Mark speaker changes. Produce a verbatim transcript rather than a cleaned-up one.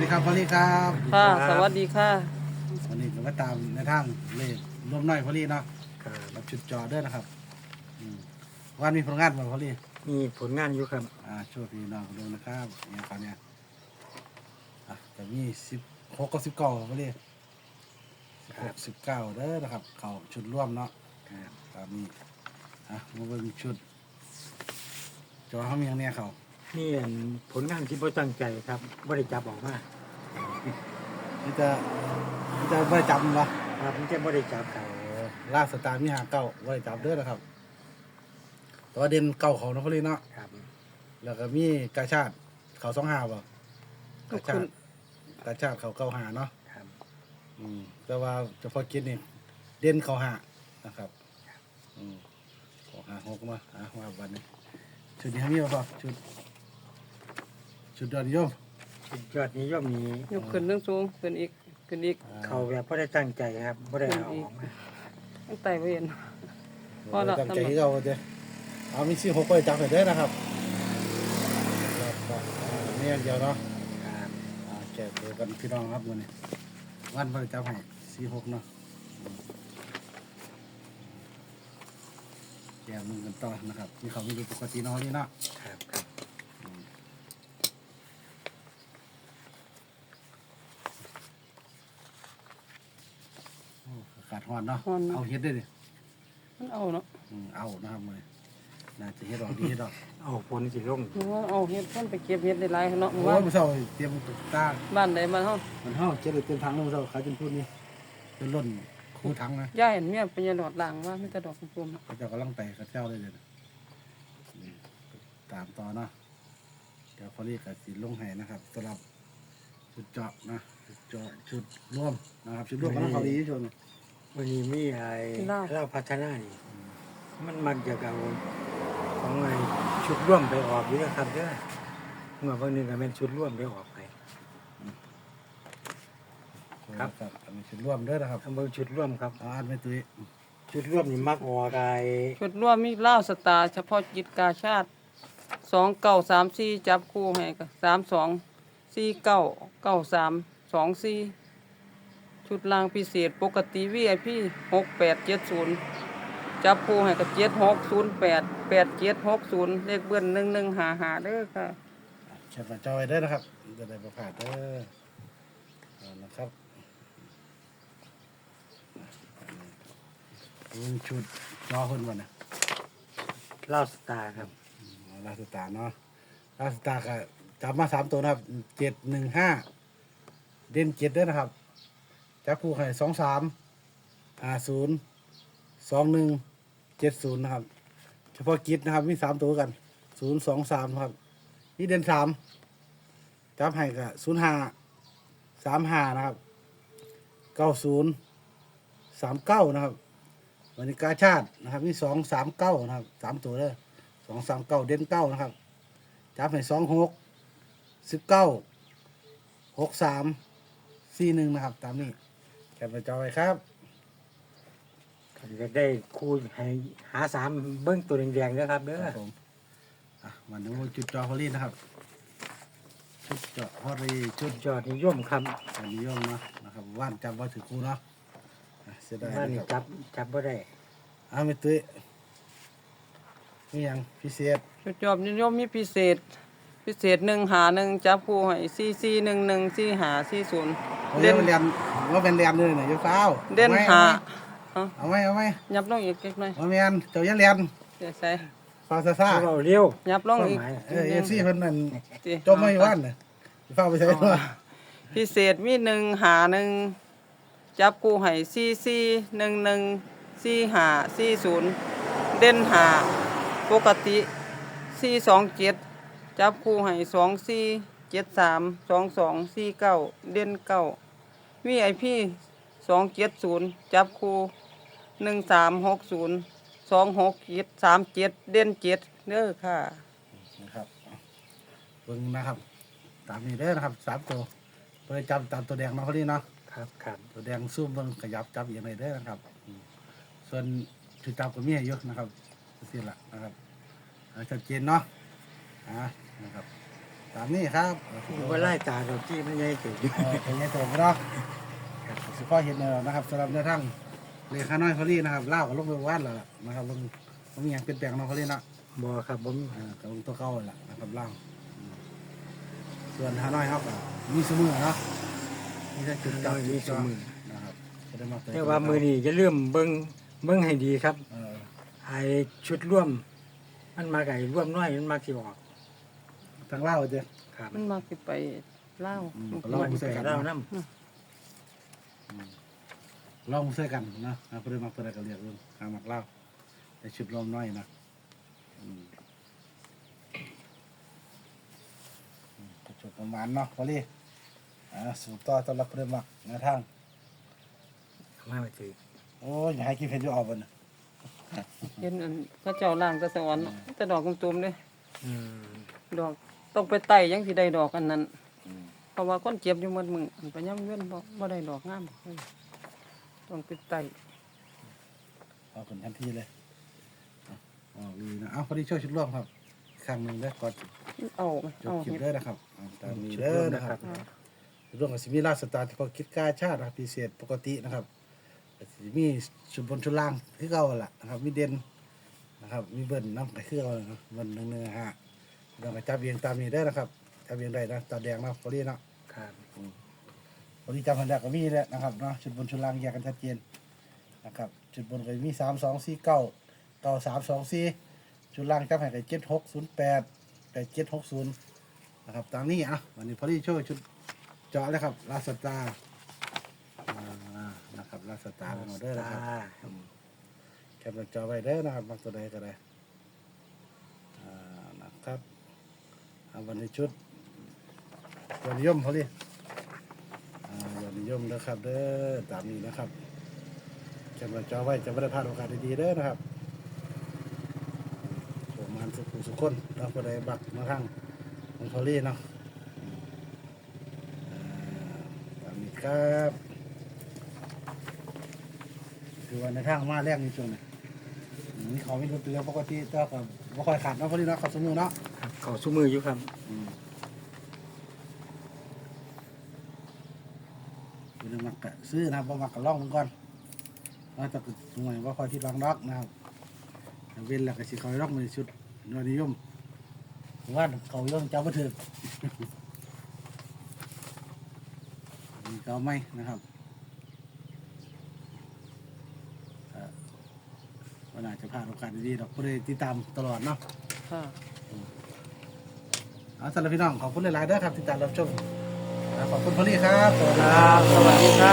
Speaker 1: ครับพอลี่ครับ
Speaker 2: ค่ะสวัสดีค่ะ
Speaker 1: วันนี้ก็มาตามในทางเลขรวมน้อยพอลี่เนาะ
Speaker 3: ครับ
Speaker 1: รับชุดจอเด้อนะครับอืมวันมีผลงานบ่พอลี่
Speaker 3: มีผลงานอยู่ครับ
Speaker 1: อ่าช่วยพี่น้องดูนะครับเนี่ยตอนเนี้ยอ่ะจะมีสิบหกกับสิบเก้าพอลี่สิบหกสิบเก้าเด้อนะครับเขาชุดร่วมเนาะครับตามนี้อ่ะมาเบิ่งชุดจอเขามีอย่างเนี้ยเขา
Speaker 3: นี่อันผลงานที่พ่ตั้งใจครับบ่ได้จับออกมา
Speaker 1: นี่จะนี่จะไม่จับมันวะ
Speaker 3: ครับมันจะบ่ได้จับครับ
Speaker 1: ล่าสตาร์มีหาเก้าไว้จับเด้อนะครับแตัวาเด่นเก้าเขาเนาะพอลี่เนาะ
Speaker 3: ครับ
Speaker 1: แล้วก็มีกาชาติเขาสองหาบ่กาชาติกาชาติเขาเก้าหาเนาะ
Speaker 3: ครับ
Speaker 1: อืมแต่ว่าเฉพาะกิจนี่เด่นเขาหานะครับอืมเขาหาหกมาอ่ะว่าวันนี้ชุดนี้มีบ่พอชุดชุดยอดนิยม
Speaker 3: สุดยอดนิยมนี้
Speaker 2: ยกขึ้นเรื่องสูงขึ้นอีกขึ้นอีก
Speaker 1: อ่
Speaker 3: เขาแบบบ่ได้ตั้งใจครับบ่ได้เอาออกมา
Speaker 2: ตั้งแต่เห็น พอละ
Speaker 1: ตั้งใจที่เราเด้อเอามีสี่หกไปจับไปเด้อนะครับแล้วก็อ่านี่อย่างเดียวเนาะ
Speaker 3: ครับ
Speaker 1: อ่าแจกตัวกันพี่น้องครับวันนี้วันบริจาคให้สี่หกเนาะแจกมึงกันต่อนะครับมีเขามีดูปกติเนาะนี่เนาะ
Speaker 3: ครับครับ
Speaker 1: อากาศร้อนเนาะ
Speaker 2: ร้อนเนาะ
Speaker 1: เอาเฮ็ดได้ดิ
Speaker 2: มันเอาเนาะ
Speaker 1: อืมเอานะครับมือน่าจะเฮ็ดดอกดีเฮ็ดดอก
Speaker 3: เอาผลสิลง
Speaker 2: หรือว่าเอาเห็ดต้นไปเก็บเห็ดได้หลายเนาะ
Speaker 1: โอ้
Speaker 2: ว่าย
Speaker 1: มื้อเช้าเตรียมตุ๊กตา
Speaker 2: บ้านใดบ้านเฮา
Speaker 1: มันเฮาเจ็ดเลยเต็มถังเลยมื้อเช้าขายจนพูดนี่จนล้นคู่ถังนะ
Speaker 2: ย่าเห็นเมียเป็นยาดอดล่างว่ามีแต่ดอกกลมๆเนาะ
Speaker 1: เขาเจ้ากำลังไปกับเจ้าเลยเดี๋ยวนี้นี่ตามต่อเนาะเดี๋ยวพอรีกับสีลงให้นะครับสำหรับชุดเจาะนะชุดเจาะชุดร่วมนะครับชุดร่วมกำลังเขาดีที่สุด
Speaker 3: วันนี้มีไอ้เราพัฒนานี่มันมักจะเอาของไอ้ชุดร่วมไปออกอยู่นะครับเด้อเมื่อวันหนึงก็เป็นชุดร่วมไปออกไป ครับ
Speaker 1: อันนี้ชุดร่วมด้วยนะครับ
Speaker 3: ทำเบิ่งชุดร่วมครับ
Speaker 1: เอาอันไม่ตุ้ย
Speaker 3: ชุดร่วมนี่มักออกไอ้
Speaker 2: ชุดร่วมมีเหล้าสตาร์เฉพาะกิจกาชาติสองเก้าสามสี่จับคู่ให้ก็สามสองสี่เก้าเก้าสามสองสี่ชุดรางพิเศษปกติวีไอพีหกแปดเจ็ดศูนย์จับคู่ให้กับเจ็ดหกศูนย์แปดแปดเจ็ดหกศูนย์เลขเบิ้ลหนึ่งหนึ่งหาหาเด้อค่ะ
Speaker 1: แคปหน้าจอไว้เด้อนะครับจะได้ประกาศเด้อเอานะครับอันนี้ชุดจอคนวันนะ
Speaker 3: เหล้าสตาร์ครับ
Speaker 1: ลาสตาร์เนาะลาสตาร์ก็จับมาสามตัวนะครับเจ็ดหนึ่งห้าเด่นเจ็ดด้วยนะครับจับคู่ให้สองสามอ่าศูนย์สองหนึ่งเจ็ดศูนย์นะครับ เฉพาะกิจนะครับมีสามตัวกันศูนย์สองสามครับนี่เด่นสามจับให้กับศูนย์ห้าสามห้านะครับเก้าศูนย์สามเก้านะครับวันนี้กาชาตินะครับมีสองสามเก้านะครับสามตัวเลยสองสามเก้าเด่นเก้านะครับจับให้สองหกสิบเก้าหกสามสี่หนึ่งนะครับ ตามนี้แคปไปจอไว้ครับ
Speaker 3: ผมจะได้คูณให้หาสามเบิ้งตัวแดงๆนะครับเด้
Speaker 1: ค
Speaker 3: อ
Speaker 1: รับผมอ่ะมาดูจุดจอฮอลลี่นะครับชุดจอฮอลลี่ชุด
Speaker 3: ยอดนิยมครับ
Speaker 1: อันนิยมเนาะนะครับว่านจำว่าถือครูเนาะอ่ะเสียดาย
Speaker 3: บ้าน
Speaker 1: นะ
Speaker 3: นี่
Speaker 1: ครับ
Speaker 3: จับจับบ่ได้
Speaker 1: อ้าวไม่ตุ้ยนี่ยังพิเศษ
Speaker 2: ชุดจอบนิยมมีพิเศษ พิเศษหนึ่งหาหนึ่งจับคู่ให้สี่สี่หนึ่งหนึ่งสี่หาสี่ศูนย์
Speaker 1: เด่
Speaker 2: เด่
Speaker 1: น
Speaker 2: น
Speaker 1: เรียนว่าเป็นเรียนเลยเนี่ยอยาเฝ้า
Speaker 2: เด่นหา
Speaker 1: เอาไหมเอาไหม
Speaker 2: ยับลงอีกเล็กน้อย
Speaker 1: เอาไหมเอาไหมเจ้าอย่าเรียน
Speaker 2: เดี๋ยวใส่
Speaker 1: ฟาซาซ่า
Speaker 3: เอาเร็ว
Speaker 2: ยับลงอีก
Speaker 1: เออเอฟซีเพิ่นนั่น
Speaker 2: สิ
Speaker 1: จมไม่ว่านน่ะอย่าเฝ้าไปใช้ตัว
Speaker 2: พิเศษมีหนึ่งหาหนึ่งจับคู่ให้สี่สี่หนึ่งหนึ่งสี่หาสี่ศูนย์เด่นหาปกติสี่สองเจ็ดจับคู่ให้สองสี่เจ็ดสามสองสองสี่เก้าเด่นเก้าวีไอพีสองเจ็ดศูนย์จับคู่หนึ่งสามหกศูนย์สองหกเจ็ดสามเจ็ดเด่นเจ็ดเด้อค่ะ
Speaker 1: นะครับเบิ่งนะครับ ตามนี้เด้อนะครับสามตัวไปจำตามตัวแดงเนาะเขาดีเนาะ
Speaker 3: ครับครับ
Speaker 1: ตัวแดงซูมเบิ่งขยับจับอย่างไรเด้อนะครับอืมส่วนจุดจับก็มีให้เยอะนะครับสิละนะครับเอาชัดเจนเนาะอ่านะครับ ตตามนี้ครับ
Speaker 3: ว่าไล่ตาดอกที่มันใหญ่ถึง
Speaker 1: เออเป็นไงตัวเนาะสุภาพเห็นเนอนะครับสำหรับในทั้งเลขาน้อยพอลี่นะครับเล่ากับลงไปวาดแล้วล่ะนะครับลงมันมีอย่างเปลี่ยนแปลงเนาะพอลี่เนาะ
Speaker 3: บ่ครับผม
Speaker 1: อ่ากับลงตัวเก่าแหละนะครับเล่าอืมส่วนฮาน้อยครับก็มีสมือเนาะมีแต่จุดจับจุดจ่อนะครับก็ได้มา
Speaker 3: แต่ว่ามือนี้จะเริ่าลืมเบิ่งเบิ่งให้ดีครับ
Speaker 1: เออ
Speaker 3: ไอ้ชุดร่วม มันมาไก่ร่วมน้อยมันมาสิออก
Speaker 1: ทางเล่าเจ้
Speaker 3: ครับ
Speaker 2: มันมักสิไปเล่าว
Speaker 1: อืม
Speaker 3: ลองใส่เล่าน้
Speaker 1: ลองใส่กันนะนะเพื่อนมาเพื่อนก็เรียกเรื่องทางมักเล่าแต่ชุดลมน้อยนะอืมอืมก็จบประมาณเนาะพอลี่อ่าสู่ต่อต้อนรับเพื่อนมักในทาง
Speaker 3: ำมาไปถือ
Speaker 1: โอ้ยอย่าให้กินเพชรอยู่เอาบนน่ะ
Speaker 2: เห็นอันเขาเจ้าล่างแตะสวรรค์แต่ดอกตุ่มๆเด้
Speaker 3: อืม
Speaker 2: ดอกต้องไปไต่ยังสิได้ดอกอันนั้นเพราะว่าคนเจ็บอยู่หมดมึงอันไปย่ำเว้นบ่บ่ได้ดอกงามเฮ้ยต้องไปไต่
Speaker 1: เอาคนทันทีเลยเอาเอาดีนะเอาพอดีช่วยชุดร่วมครับอีกครั้งหนึ่งได้อก่อน
Speaker 2: เอาไหม
Speaker 1: จบ
Speaker 2: เอา
Speaker 1: คลิป
Speaker 2: เฮ็ด
Speaker 1: เด้อนะครับเอาตามนี้
Speaker 3: ชุด
Speaker 1: เด้
Speaker 3: ร่
Speaker 1: อ
Speaker 3: วม
Speaker 1: นะ
Speaker 3: นะ
Speaker 1: ค
Speaker 3: ค
Speaker 1: รั
Speaker 3: รั
Speaker 1: บบ เรื่องของสิมีราชสตาร์เฉพาะกิจการชาตินะครับพิเศษปกตินะครับสิมีชุดบนชุดล่างคือเก่าแหละนะครับมีเด่นนะครับมีเบิ้ลน้ำไก่คือเก่านะเบิ้ลหนึ่งหนึ่งห้าเราก็จับเบียงตามนี้ได้อนะครับจับเบียงได้นะตาแดงเนาะพอดีเนาะ
Speaker 3: ครับ
Speaker 1: พอดีจำพันแรกก็มีแล้วนะครับเนาะชุดบนชุดล่างแยกกันชัดเจนนะครับชุดบนก็มีสามสองสี่เก้าเก้าสามสองสี่ชุดล่างจับให้กับเจ็ดหกศูนย์แปดกับเจ็ดหกศูนย์นะครับตามนี้อ่ะวันนี้พอดีช่วยชุดเจาะเลยครับลาสตาร์อ่านะครับลาสตาร์เป็นออเดอร์นะครับอืมแคปหน้าจอไว้เด้อนะครับมักตัวใดก็ได้อ่านะครับเอาวันนี้ชุดยอดนิยมพอดี อ่ายอดนิยมนะครับเด้อตามนี้นะครับจำไว้จอไว้จะไม่ได้พลาดโอกาสดีๆเด้อนะครับโชว์มันสุขุสุขคนเราก็ได้บักมาทางของพอลี่เนาะอ่าตามนี้ครับคือวันในทางมาแรกในช่วงนี้อืมนี่เขาไม่รู้ตัวปกติแต่ก็ไม่ค่อยขาดเนาะพอลี่เนาะเขาสมือเนาะ
Speaker 3: ครับขอสู้มืออยู่ครับ
Speaker 1: อืมเป็นมักกะซื้อนะครับบ่มักกะล่องมันก่อนว่าจะสมัยว่าคอยที่บางดอกนะครับเว้นแล้วก็สิเขาดอกมันชุดยอดนิยมว่าเขาย่อมเจ้าบ่ถึก มีเขาไหมนะครับเอ่อวันอาจจะพลาดโอกาสดีๆดอกผู้ใดติดตามตลอดเนาะ
Speaker 2: ค่ะ
Speaker 1: เอาสำหรับพี่น้องขอบคุณหลายๆเด้อครับที่ติดตามรับชมอ่าขอบคุณพอลี่ครับสวัสดี
Speaker 3: ค
Speaker 1: ค
Speaker 3: รั
Speaker 1: รับ
Speaker 3: บ สวัสดีครั